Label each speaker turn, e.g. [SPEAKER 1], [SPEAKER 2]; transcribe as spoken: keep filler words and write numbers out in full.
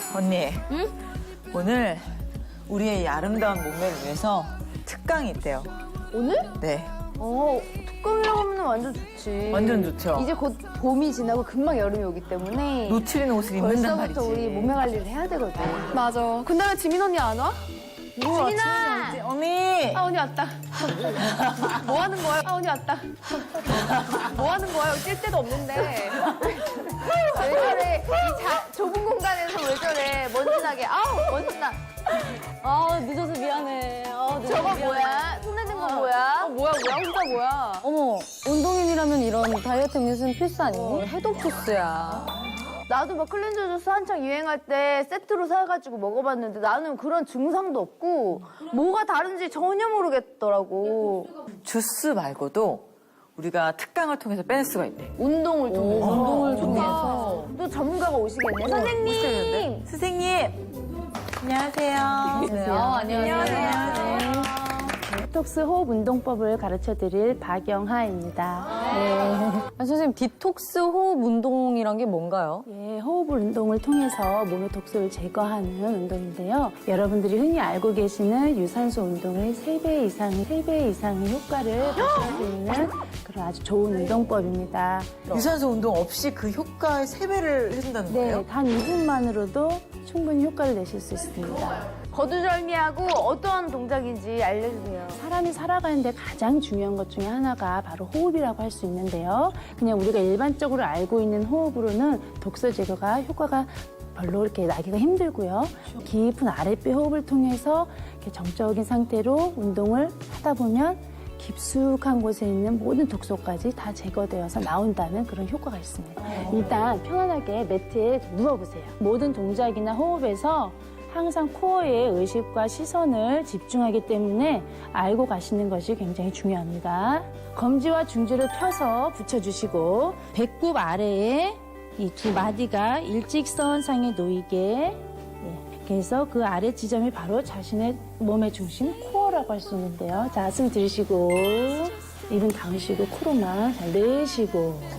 [SPEAKER 1] 언니. 응? 오늘 우리의 이 아름다운 몸매를 위해서 특강이 있대요.
[SPEAKER 2] 오늘?
[SPEAKER 1] 네.
[SPEAKER 2] 어, 특강이라고 하면 완전 좋지.
[SPEAKER 1] 완전 좋죠.
[SPEAKER 2] 이제 곧 봄이 지나고 금방 여름이 오기 때문에
[SPEAKER 1] 놓치는 옷을 입는단 말이지.
[SPEAKER 2] 벌써부터 우리 몸매 관리를 해야 되거든.
[SPEAKER 3] 맞아. 근데 왜 지민 언니 안 와?
[SPEAKER 2] 지민아!
[SPEAKER 1] 언니!
[SPEAKER 3] 아, 언니 왔다. 뭐 하는 거야? 아, 언니 왔다. 뭐 하는 거야? 여기 뛸 데도 없는데.
[SPEAKER 2] 왜 저래? 이 자, 좁은 공간에서 왜 저래? 먼지나게. 아우, 먼지나.
[SPEAKER 4] 아 늦어서 미안해. 아, 늦어서
[SPEAKER 2] 저거
[SPEAKER 4] 미안해.
[SPEAKER 2] 뭐야? 손에 든 거
[SPEAKER 3] 아,
[SPEAKER 2] 뭐야?
[SPEAKER 3] 뭐야, 뭐야? 혼자 뭐야?
[SPEAKER 4] 어머 운동인이라면 이런 다이어트 음료수는 필수 아니니? 해독 주스야.
[SPEAKER 2] 나도 막 클렌저 주스 한창 유행할 때 세트로 사가지고 먹어봤는데 나는 그런 증상도 없고 뭐가 다른지 전혀 모르겠더라고.
[SPEAKER 1] 주스 말고도 우리가 특강을 통해서 빼낼 수가 있대.
[SPEAKER 2] 운동을 통해서.
[SPEAKER 4] 운동을
[SPEAKER 2] 좋다.
[SPEAKER 4] 통해서.
[SPEAKER 2] 또 전문가가 오시겠네. 선생님!
[SPEAKER 1] 선생님! 안녕하세요.
[SPEAKER 4] 아, 안녕하세요.
[SPEAKER 5] 디톡스 호흡 운동법을 가르쳐드릴 박영하입니다.
[SPEAKER 4] 아, 선생님 디톡스 호흡 운동이란 게 뭔가요?
[SPEAKER 5] 예, 호흡 운동을 통해서 몸의 독소를 제거하는 운동인데요. 여러분들이 흔히 알고 계시는 유산소 운동의 세 배 이상, 세 배 이상의 효과를 보실 수 있는 그런 아주 좋은 운동법입니다.
[SPEAKER 1] 유산소 운동 없이 그 효과의 세 배를 해준다는
[SPEAKER 5] 네,
[SPEAKER 1] 거예요?
[SPEAKER 5] 단 이 분만으로도 충분히 효과를 내실 수 있습니다.
[SPEAKER 2] 거두절미하고 어떠한 동작인지 알려주세요.
[SPEAKER 5] 사람이 살아가는데 가장 중요한 것 중에 하나가 바로 호흡이라고 할 수 있는데요. 그냥 우리가 일반적으로 알고 있는 호흡으로는 독소 제거가 효과가 별로 이렇게 나기가 힘들고요. 깊은 아랫배 호흡을 통해서 이렇게 정적인 상태로 운동을 하다 보면 깊숙한 곳에 있는 모든 독소까지 다 제거되어서 나온다는 그런 효과가 있습니다. 일단 편안하게 매트에 누워보세요. 모든 동작이나 호흡에서 항상 코어에 의식과 시선을 집중하기 때문에 알고 가시는 것이 굉장히 중요합니다. 검지와 중지를 펴서 붙여주시고 배꼽 아래에 이 두 마디가 일직선상에 놓이게, 예, 그래서 그 아래 지점이 바로 자신의 몸의 중심 코어라고 할 수 있는데요. 자, 숨 들이쉬고 입은 감으시고 코로만 잘 내쉬고